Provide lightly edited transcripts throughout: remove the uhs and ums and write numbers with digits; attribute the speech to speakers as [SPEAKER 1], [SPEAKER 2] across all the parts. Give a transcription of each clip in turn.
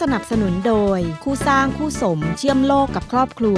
[SPEAKER 1] สนับสนุนโดยคู่สร้างคู่สมเชื่อมโลกกับครอบครัว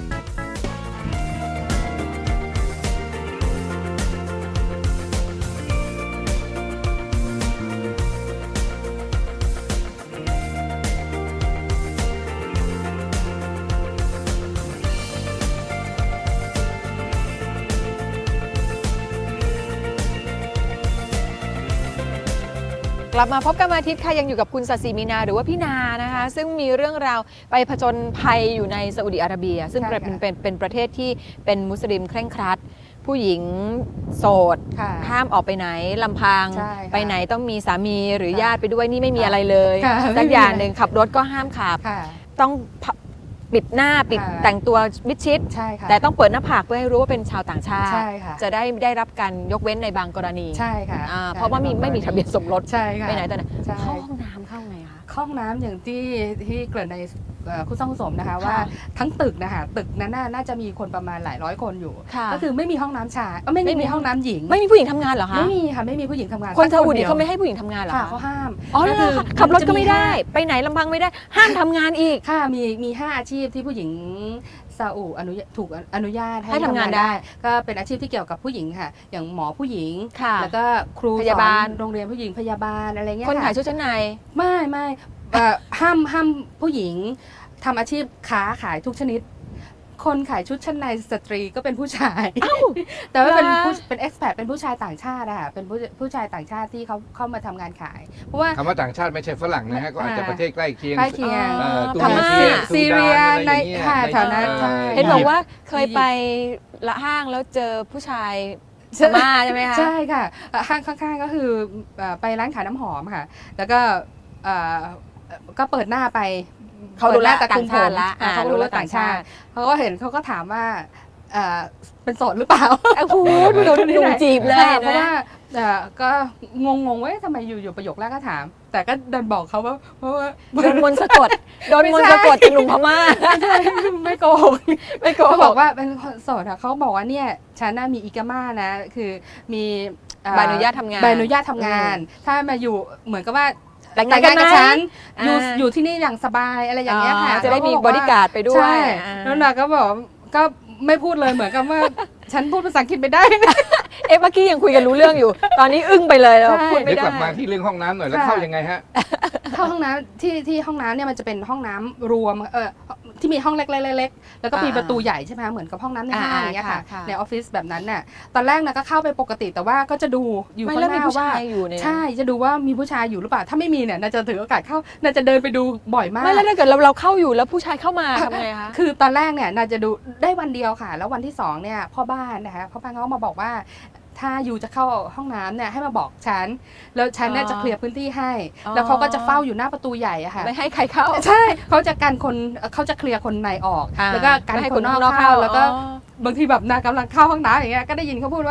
[SPEAKER 2] กลับมาพบกันวันอาทิตย์ค่ะยังอยู่กับคุณศศิมีนาหรือว่าพี่นานะคะซึ่งมีเรื่องราวไปผจญภัยอยู่ในซาอุดิอาระเบียซึ่งเป็นประเทศที่เป็นมุสลิมเคร่งครัดผู้หญิงโสดห้ามออกไปไหนลำพังไปไหนต้องมีสามีหรือญาติไปด้วยนี่ไม่มีอะไรเลยสักอย่างหนึ่งขับรถก็ห้ามขับต้องปิดหน้าปิดแต่งตัวมิดชิดแต่ต้องเปิดหน้าผากเพื่อให้รู้ว่าเป็นชาวต่างชาติจะได้รับการยกเว้นในบางกรณีใช่ค่ะเพราะว่าไม่มีทะเบียนสมรสไปไหนแต่ไหนเข้าห้องน้ำเข้าไงคะ
[SPEAKER 3] ห้องน้ำอย่างที่เกิดในคู่สร้างคู่สมนะคะว่าทั้งตึกนะคะตึกนั้นน่าจะมีคนประมาณหลายร้อยคนอยู่ก็คือไม่มีห้องน้ำชายไม่มีห้องน้ำหญิง
[SPEAKER 2] ไม่มีผู้หญิงทำงานเหรอคะ
[SPEAKER 3] ไม่มีค่ะไม่มีผู้หญิงทำงาน
[SPEAKER 2] คนซาอุดิเขาไม่ให้ผู้หญิงทำงานเหรอคะ
[SPEAKER 3] เขาห้าม
[SPEAKER 2] อ๋อคือขับรถก็ไม่ได้ไปไหนลำพังไม่ได้ห้ามทำงานอีก
[SPEAKER 3] ค่ะมี5อาชีพที่ผู้หญิงซาอุถูกอนุญาต
[SPEAKER 2] ให้ทำงานได้
[SPEAKER 3] ก็เป็นอาชีพที่เกี่ยวกับผู้หญิงค่ะอย่างหมอผู้หญิงแล้วก็ครู
[SPEAKER 2] พยาบาล
[SPEAKER 3] โรงเรียนผู้หญิงพยาบาลอะไรเงี้ย
[SPEAKER 2] คนขายชุดชั้นใน
[SPEAKER 3] ไม่ห้ามผู้หญิงทำอาชีพค้าขายทุกชนิดคนขายชุดชั้นในสตรีก็เป็นผู้ชายแต่ว่าเป็นเอ็กซ์แพดเป็นผู้ชายต่างชาติอะเป็นผู้ชายต่างชาติที่เขาเข้ามาทำงานขายเพราะว่า
[SPEAKER 4] คำว่าต่างชาติไม่ใช่ฝรั่งนะฮะก็อาจจะประเทศใกล้เคียง
[SPEAKER 3] พม่าซีเรียในแถวนั้น
[SPEAKER 2] เห็นบอกว่าเคยไปละห้างแล้วเจอผู้ชายพม่าใช่ไหมคะ
[SPEAKER 3] ใช่ค่ะห้างข้างๆก็คือไปร้านขายน้ำหอมค่ะแล้วก็เปิดหน้าไป
[SPEAKER 2] เขารู้แล้วต่างชาติละ
[SPEAKER 3] เขารู้แล้วต่างชาติเขาก็เห็นเขาก็ถามว่าเป็นโสดหรือเปล่า
[SPEAKER 2] พูดโดนหนุ่มจีบเลย
[SPEAKER 3] เพราะว่าก็งงว่าทำไมอยู่ประโยคแรกก็ถามแต่ก็เดินบอกเขาว่าเพราะว่า
[SPEAKER 2] โดนมนต์สะกดจากหนุ่มพม่า
[SPEAKER 3] ไม่โกหกเขาบอกว่าเป็นโสดเขาบอกว่าเนี่ยฉันน่ามีอิกาม่านะคือมี
[SPEAKER 2] ใบอนุญาตทำง
[SPEAKER 3] านถ้ามาอยู่เหมือนกับว่าแต่งงานกับฉันอยู่ที่นี่อย่างสบายอะไรอย่างเงี้ยค่ะ
[SPEAKER 2] จะได้มีบริการไปด้วย
[SPEAKER 3] แล้วนาก็บอกก็ไม่พูดเลยเหมือนกับว่าฉันพูดภาษาอังกฤษไม่ได้
[SPEAKER 2] เมื่อกี้ยังคุยกันรู้เรื่องอยู่ตอนนี้อึ้งไปเลยแล้วพูดไม่ได้
[SPEAKER 4] กลับมาที่เรื่องห้องน้ำหน่อยแล้วเข้ายังไงฮะ
[SPEAKER 3] เข้าห้องน้ำที่ห้องน้ำเนี่ยมันจะเป็นห้องน้ำรวมที่มีห้องเล็กๆแล้วก็มีประตูใหญ่ใช่ไหมเหมือนกับห้องน้ำในห้างอย่างเงี้ยค่ะในออฟฟิศแบบนั้นน่ะตอนแรกนะก็เข้าไปปกติแต่ว่าก็จะดูอยู่ข้างหน้าว่าใช่จะดูว่ามีผู้ชายอยู่หรือเปล่าถ้าไม่มีเนี่ยน่าจะถือโอกาสเข้าน่าจะเดินไปดูบ่อยมาก
[SPEAKER 2] ไม่แล้วถ้าเกิดเราเข้าอยู่แล้วผู้ชายเข้ามาทำไงคะ
[SPEAKER 3] คือตอนแรกเนี่ยน่าจะดูได้วันเดียวค่ะแล้ววันที่2เนี่ยพ่อบ้านนะคะพ่อบ้านเขามาบอกว่าถ้าอยู่จะเข้าห้องน้ำเนี่ยให้มาบอกฉันแล้วฉันเนี่ยจะเคลียร์พื้นที่ให้แล้วเขาก็จะเฝ้าอยู่หน้าประตูใหญ่อะค่ะ
[SPEAKER 2] ไม่ให้ใครเข้า
[SPEAKER 3] ใช่เขาจะกันคนเขาจะเคลียร์คนในออกแล้วก็กันคนนอกเข้าแล้วก็บางทีแบบนากำลังเข้าห้องน้ำอย่างเงี้ยก็ได้ยินเขาพูดว่า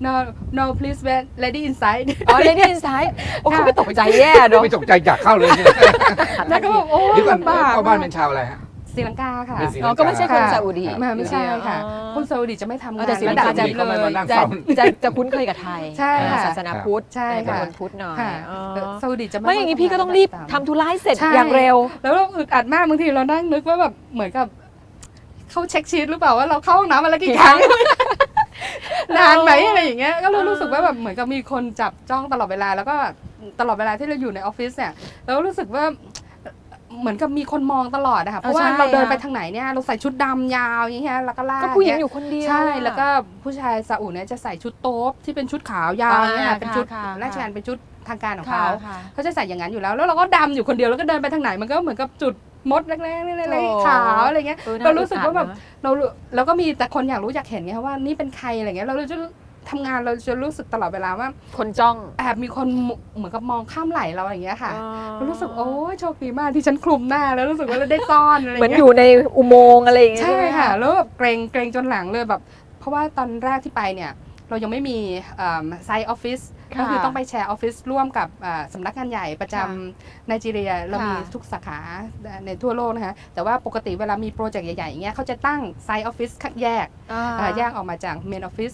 [SPEAKER 3] no please wait lady inside
[SPEAKER 2] lady inside โอ้เขาไม่ตกใจแย่ด้วย
[SPEAKER 4] ไม่ตกใจอยากเข้าเลย
[SPEAKER 3] แล้วก็บอกโอ้
[SPEAKER 4] ยลำบากพ่อบ้านเป็นชาวอะไรฮะ
[SPEAKER 3] ศรีลังกาค่ะ
[SPEAKER 2] ก็ไม่ใช่คนซาอุดี
[SPEAKER 3] ไม่ใช่ค่ะคนซาอุดีจะไม่ทำงาน
[SPEAKER 2] แต่ศรีลังกาจะคุ้นเคยกับไทย
[SPEAKER 3] ใช่ค่ะ
[SPEAKER 2] ศาสนาพุทธ
[SPEAKER 3] ใช่ค่ะ
[SPEAKER 2] คนพุทธหน่อย
[SPEAKER 3] ซาอุดีจะ
[SPEAKER 2] ไม่อย่างนี้พี่ก็ต้องรีบทำธุระเสร็จอย่างเร็ว
[SPEAKER 3] แล้วเราอึดอัดมากบางทีเรานั่งนึกว่าแบบเหมือนกับเขาเช็คชีทหรือเปล่าว่าเราเข้าห้องน้ำอะไรกี่ครั้งนานไหมอะไรอย่างเงี้ยก็รู้สึกว่าแบบเหมือนกับมีคนจับจ้องตลอดเวลาแล้วก็ตลอดเวลาที่เราอยู่ในออฟฟิศเนี่ยเรารู้สึกว่าเหมือนกับมีคนมองตลอดนะคะเพราะว่าเราเดินไปทางไหนเนี่ยเราใส่ชุดดำยาวอย่างเงี้ยแล้วก็ลาก
[SPEAKER 2] ก็ผู้หญิงอยู่คนเดียว
[SPEAKER 3] ใช่แล้วก็ผู้ชายซาอุเนี่ยจะใส่ชุดโต๊ะที่เป็นชุดขาวยาวเนี่ยเป็นชุดราชการเป็นชุดทางการของเขาจะใส่อย่างนั้นอยู่แล้วแล้วเราก็ดำอยู่คนเดียวแล้วก็เดินไปทางไหนมันก็เหมือนกับจุดมดเล็กๆขาวอะไรเงี้ยเรารู้สึกว่าแบบเราก็มีแต่คนอยากรู้อยากเห็นไงว่านี่เป็นใครอะไรเงี้ยเราจะทำงานเราจะรู้สึกตลอดเวลาว่า
[SPEAKER 2] คนจ้อง
[SPEAKER 3] แอบมีคนเหมือนกับมองข้ามไหลเราอย่างเงี้ยค่ะเรารู้สึกโอ้ยโชคดีมากที่ฉันคลุมหน้าแล้วรู้สึกว่าเราได้ซ่อนอะไรเงี้ย
[SPEAKER 2] เหมือนอยู่ในอุโมงค์อะไรอย่างเงี้ย
[SPEAKER 3] ใช่ค่ะแล้วแบบเกรงจนหลังเลยแบบเพราะว่าตอนแรกที่ไปเนี่ยเรายังไม่มีไซต์ออฟฟิศก็คือต้องไปแชร์ออฟฟิศร่วมกับสำนักงานใหญ่ประจำไนจีเรียเรามีทุกสาขาในทั่วโลกนะคะแต่ว่าปกติเวลามีโปรเจกต์ใหญ่ๆอย่างเงี้ยเขาจะตั้งไซต์ออฟฟิศแยกออกมาจากเมนออฟฟิศ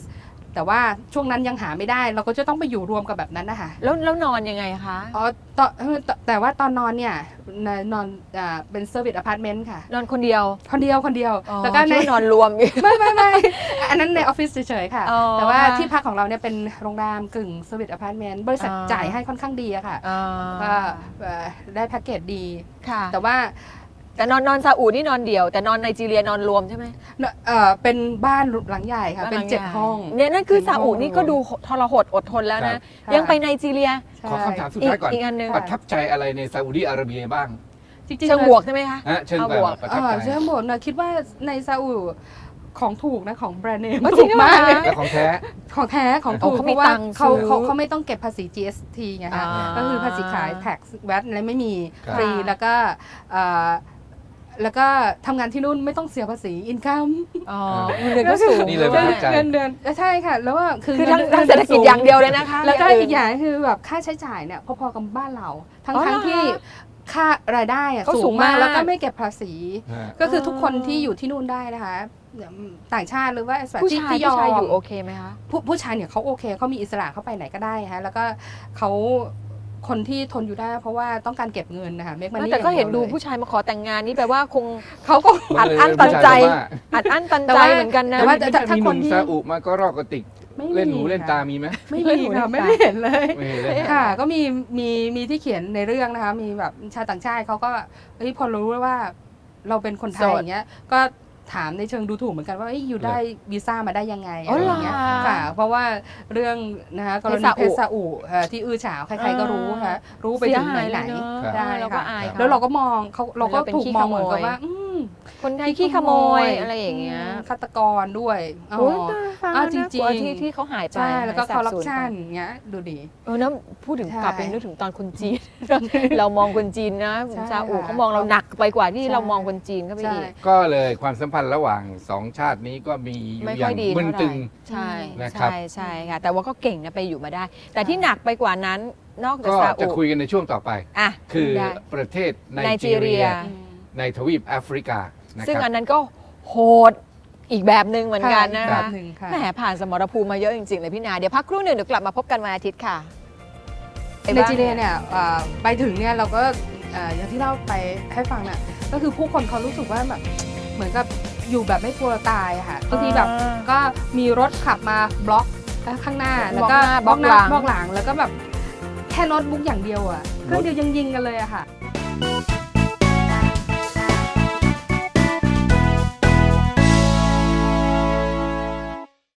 [SPEAKER 3] แต่ว่าช่วงนั้นยังหาไม่ได้เราก็จะต้องไปอยู่รวมกับแบบนั้นนะคะ
[SPEAKER 2] แล้วนอนยังไงคะ
[SPEAKER 3] อ๋อแต่ว่าตอนนอนเนี่ยนอนเป็นเซอร์วิสอพาร์ตเมนต์ค่ะ
[SPEAKER 2] นอนคนเดียว
[SPEAKER 3] คนเดียวแล้วก็
[SPEAKER 2] คิดว่านอนรวมอยู่
[SPEAKER 3] ไม่อันนั้นในออฟฟิศเฉยๆค่ะ
[SPEAKER 2] อ๋อ
[SPEAKER 3] แต่ว่าที่พักของเราเนี่ยเป็นโรงแรมกึ่งเซอร์วิสอพาร์ตเมนต์บริษัท
[SPEAKER 2] อ่า
[SPEAKER 3] จ่ายให้ค่อนข้างดีอะค่ะ ก็ได้แพ็กเกจดี
[SPEAKER 2] ค่ะ
[SPEAKER 3] แต่ว่า
[SPEAKER 2] แต่นอนซาอุนี่นอนเดี่ยว แต่นอนไนจีเรียนอนรวมใช่ไหม
[SPEAKER 3] เป็นบ้านหลังใหญ่ค่ะ เป็น7 ห้อง
[SPEAKER 2] เนี่ยนั่นคือ
[SPEAKER 3] 7
[SPEAKER 2] ซาอุ
[SPEAKER 3] ห้อง
[SPEAKER 2] นี่ก็ดูทรหดอดทนแล้ว
[SPEAKER 4] ครั
[SPEAKER 2] นะ
[SPEAKER 4] บ
[SPEAKER 2] ยังไปไนจีเรีย
[SPEAKER 3] ใช่
[SPEAKER 4] ขอคำถามสุดท้ายก่อน
[SPEAKER 2] อีกอันหนึ่ง
[SPEAKER 4] ประทับใจอะไรในซาอุดิอาระเบียบ้าง
[SPEAKER 3] จริงๆ
[SPEAKER 2] เชิงบวกใช่ไหมคะ
[SPEAKER 4] ฮะเชิง
[SPEAKER 2] เอา
[SPEAKER 4] แบบ
[SPEAKER 2] บวก
[SPEAKER 4] ประทับใจ
[SPEAKER 3] เชิงบวกนะคิดว่าในซาอุของถูกนะของแบรนด์เนม
[SPEAKER 2] อ๋อจริ
[SPEAKER 3] ถู
[SPEAKER 2] ง
[SPEAKER 3] ก
[SPEAKER 2] เหรอ
[SPEAKER 3] มาก
[SPEAKER 2] คะ
[SPEAKER 4] และของแท้
[SPEAKER 3] ของแท้ของถูก
[SPEAKER 2] เขา
[SPEAKER 3] เพ
[SPEAKER 2] มี
[SPEAKER 3] ราะว่า
[SPEAKER 2] ตังค์
[SPEAKER 3] เขา
[SPEAKER 2] ซื้อ
[SPEAKER 3] เขาไม่ต้องเก็บภาษี GST ไงคะ
[SPEAKER 2] อ่า
[SPEAKER 3] ก็คือภาษีขาย tax VAT อะไรไม่มี
[SPEAKER 4] ครับ
[SPEAKER 3] ฟรีแล้วก็ทำงานที่นู่นไม่ต้องเสียภาษีอินคัม
[SPEAKER 2] อ๋อเงินเดือนก็สูง
[SPEAKER 4] นี่เลยประทับใจ
[SPEAKER 3] เงินเดือนใช่ค่ะ แล้วว่าคือ
[SPEAKER 2] คือทั้ง
[SPEAKER 3] งิน
[SPEAKER 2] เศรษฐกิจอย่างเดียวเลยนะคะ
[SPEAKER 3] แล้วก็
[SPEAKER 2] ย่าง
[SPEAKER 3] อี
[SPEAKER 2] อื่
[SPEAKER 3] ก
[SPEAKER 2] น
[SPEAKER 3] อย่างคือแบบค่าใช้จ่ายเนี่ยพอๆกับบ้านเรา ทั้ง
[SPEAKER 2] อ๋อ
[SPEAKER 3] ทั้ง
[SPEAKER 2] เหรอ
[SPEAKER 3] ที่ค่ารายได้อะ
[SPEAKER 2] เขาสู
[SPEAKER 3] สู
[SPEAKER 2] ง
[SPEAKER 3] งมาก
[SPEAKER 2] มาก
[SPEAKER 3] แล้วก็ไม่เก็บภาษี
[SPEAKER 4] ฮะ
[SPEAKER 3] ก็คือทุกคนที่อยู่ที่นู่นได้นะคะต่างชาติหรือว่า expat
[SPEAKER 2] ผู้ชาย
[SPEAKER 3] ที่
[SPEAKER 2] ผู้ชายอยู่โอเคไหมคะ
[SPEAKER 3] ผู้ชายเนี่ยเขาโอเคเขามีอิสระเขาไปไหนก็ได้ฮะแล้วก็เขาคนที่ทนอยู่ได้เพราะว่าต้องการเก็บเงินนะคะเมกมันนี่
[SPEAKER 2] แต่ก็เห็นดูผู้ชายมาขอแต่งงานนี่แปลว่าคง
[SPEAKER 3] เขาก็
[SPEAKER 2] อัดอั้นตันใจ
[SPEAKER 4] ผู้ชายบอกว่า
[SPEAKER 2] อัดอั้นตัน
[SPEAKER 3] แต่
[SPEAKER 2] ใจ
[SPEAKER 3] ว่า
[SPEAKER 2] เหมือนกันนะ
[SPEAKER 3] แต่ว่า
[SPEAKER 4] ถ้ามีหนุ่มซาอุมาก็รอกกระติก
[SPEAKER 3] ไม่มี
[SPEAKER 4] เล่นหูเล่นตา
[SPEAKER 3] ค่ะ
[SPEAKER 4] มีไหม
[SPEAKER 3] ไม่มีค่ะไม่เห็นเลย
[SPEAKER 4] ไม่เห็นเลยฮะ
[SPEAKER 3] ค่ะก็มีที่เขียนในเรื่องนะคะมีแบบชาวต่างชาติเขาก็เฮ้ยพอรู้ว่าเราเป็นคนไทย
[SPEAKER 2] โสด
[SPEAKER 3] อย่างเงี้ยก็ถามในเชิงดูถูกเหมือนกันว่าเอ้ยอยู่ได้วีซ่ามาได้ยังไง
[SPEAKER 2] อ๋อ
[SPEAKER 3] อะไร
[SPEAKER 2] เหรอ
[SPEAKER 3] อย่างเงี้ยค่ะ เพราะว่าเรื่องนะคะกรณีเพชรซาอุที่อื้อฉาวใครๆก็รู้ค่ะรู้ไปถึงไหน
[SPEAKER 2] เสียหายเลยเนอะ
[SPEAKER 3] ๆได้
[SPEAKER 2] เราก็
[SPEAKER 3] ค่ะ
[SPEAKER 2] อายเขา
[SPEAKER 3] แล้วเราก็มองเราก็
[SPEAKER 2] เราเป็น
[SPEAKER 3] ถูก
[SPEAKER 2] ขี้
[SPEAKER 3] มอง
[SPEAKER 2] ขโมย
[SPEAKER 3] เหมือนกับว่า
[SPEAKER 2] คนไทยขี้ขโมยอะไรอย่างเงี้ย
[SPEAKER 3] ฆาตกรด้วยอ๋อ
[SPEAKER 2] โอ้ยตาย
[SPEAKER 3] อ้าว
[SPEAKER 2] แล้วน่ากลัว
[SPEAKER 3] จริงๆ
[SPEAKER 2] ที่เขาหายไป
[SPEAKER 3] ใช่แล้วก็
[SPEAKER 2] หาย
[SPEAKER 3] คอร์รัป
[SPEAKER 2] สาบสูญ
[SPEAKER 3] ชัน
[SPEAKER 2] ไป
[SPEAKER 3] เงี้ยดูดิ
[SPEAKER 2] นะพูดถึง
[SPEAKER 3] ใช่
[SPEAKER 2] กลับไปนึกถึงตอนคนจีน เรามองคนจีนนะ
[SPEAKER 3] ใช่
[SPEAKER 2] ซาอุ
[SPEAKER 3] ค่ะ
[SPEAKER 2] เขามองเราหนักไปกว่าที่
[SPEAKER 3] ใช่
[SPEAKER 2] เรามองคนจีนเข้าไป
[SPEAKER 3] ใช่
[SPEAKER 2] อีก
[SPEAKER 4] ก็เลยความสัมพันธ์ระหว่างสองชาตินี้ก็มีอยู่
[SPEAKER 2] ไม่
[SPEAKER 4] อ
[SPEAKER 2] ค่
[SPEAKER 4] ย่า
[SPEAKER 2] อย
[SPEAKER 4] ง
[SPEAKER 2] ดี
[SPEAKER 4] มึน
[SPEAKER 2] เท่าไห
[SPEAKER 4] ตึ
[SPEAKER 2] ร่
[SPEAKER 4] ง
[SPEAKER 2] ใช่
[SPEAKER 4] นะครับ
[SPEAKER 2] ใช่ค่ะ แต่ว่าก็เก่งนะไปอยู่มาได้ แต่ที่หนักไปกว่านั้นนอกจาก
[SPEAKER 4] ก็
[SPEAKER 2] ซา
[SPEAKER 4] จะ
[SPEAKER 2] อุ
[SPEAKER 4] คุยกันในช่วงต่อไป
[SPEAKER 2] อ่ะ
[SPEAKER 4] คือ
[SPEAKER 2] ได้
[SPEAKER 4] ประเทศไน
[SPEAKER 2] ไนจี
[SPEAKER 4] จี
[SPEAKER 2] เรี
[SPEAKER 4] เรี
[SPEAKER 2] ย
[SPEAKER 4] ยในทวีปแอฟริกานะ
[SPEAKER 2] ซึ่ง
[SPEAKER 4] ค
[SPEAKER 2] อั
[SPEAKER 4] รับ
[SPEAKER 2] นนั้นก็โหดอีกแบบหนึ่งเหมือนกันนะ
[SPEAKER 3] แบ
[SPEAKER 2] คะ
[SPEAKER 3] บหนึ่งค่ะ
[SPEAKER 2] แหมผ่านสมรภูมิมาเยอะจริงๆเลยพี่นาเดี๋ยวพักครู่หนึ่งเดี๋ยวกลับมาพบกันวันอาทิตย์ค่ะ
[SPEAKER 3] ในจีเรียเนี่ยไปถึงเนี่ยเราก็อย่างที่เล่าไปให้ฟังน่ะก็คือผู้คนเขารู้สึกว่าแบบเหมือนกับอยู่แบบไม่กลัวตายอะค่ะบางทีแบบก็มีรถขับมาบล็อกข้างหน้าแล้วก็
[SPEAKER 2] บล็อกหน้า
[SPEAKER 3] บล็อกหลังแล้วก็แบบแค่โน้ตบุ๊กอย่างเดียวอ่ะเครื่องเดียวยังยิงกันเลยอะค่ะ
[SPEAKER 4] ค